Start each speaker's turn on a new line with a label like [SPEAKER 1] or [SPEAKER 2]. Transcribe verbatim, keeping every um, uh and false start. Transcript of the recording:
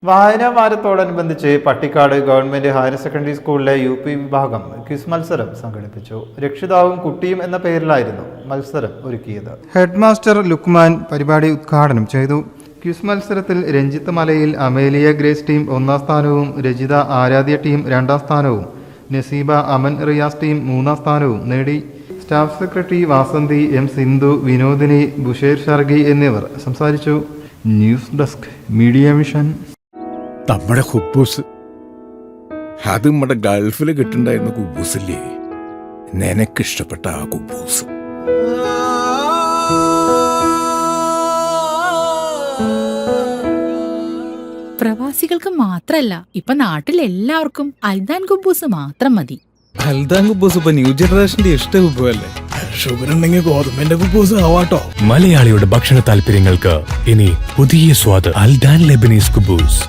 [SPEAKER 1] വായനാ വാരത്തോടനുബന്ധിച്ച് Pattikkad government higher secondary സ്കൂളിലെ യു പി വിഭാഗം ക്വിസ് മത്സരം സംഘടിപ്പിച്ചു. രക്ഷിതാവും കുട്ടിയും എന്ന പേരിലായിരുന്നു മത്സരം ഒരുക്കിയത്. ഹെഡ് മാസ്റ്റർ ലുക്മാൻ പരിപാടി ഉദ്ഘാടനം ചെയ്തു. ക്വിസ് മത്സരത്തിൽ രഞ്ജിത്ത് മലയിൽ അമേലിയ ഗ്രേസ് ടീം ഒന്നാം സ്ഥാനവും രജിത ആരാധ്യ ടീം രണ്ടാം സ്ഥാനവും നസീബ അമൻ റിയാസ് ടീം മൂന്നാം സ്ഥാനവും നേടി. Staff secretary Vasanthi, M Sindhu, Vinodini, ബുഷേർ ഷർഗി എന്നിവർ സംസാരിച്ചു. News desk media mission.
[SPEAKER 2] നമ്മുടെ കുബൂസ് അത് നമ്മുടെ ഗൾഫിൽ കിട്ടുണ്ടായിരുന്ന കുബൂസില്ലേ, നിനക്കിഷ്ടപ്പെട്ട ആ കുബൂസ്.
[SPEAKER 3] പ്രവാസികൾക്ക് മാത്രല്ല, ഇപ്പൊ നാട്ടിൽ എല്ലാവർക്കും അൽദാൻ കുബൂസ് മാത്രം മതി.
[SPEAKER 4] അൽദാൻ കുബൂസ് ഇപ്പൊ ന്യൂ ജനറേഷന്റെ ഇഷ്ട കുബുവല്ലേ.
[SPEAKER 2] ഷുഗർ ഉണ്ടെങ്കിൽ ഗോതമ്പിന്റെ കുബൂസ് ആവാട്ടോ.
[SPEAKER 5] മലയാളിയുടെ ഭക്ഷണ താല്പര്യങ്ങൾക്ക് ഇനി പുതിയ സ്വാദ്. അൽദാൻ ലെബനീസ് കുബൂസ്.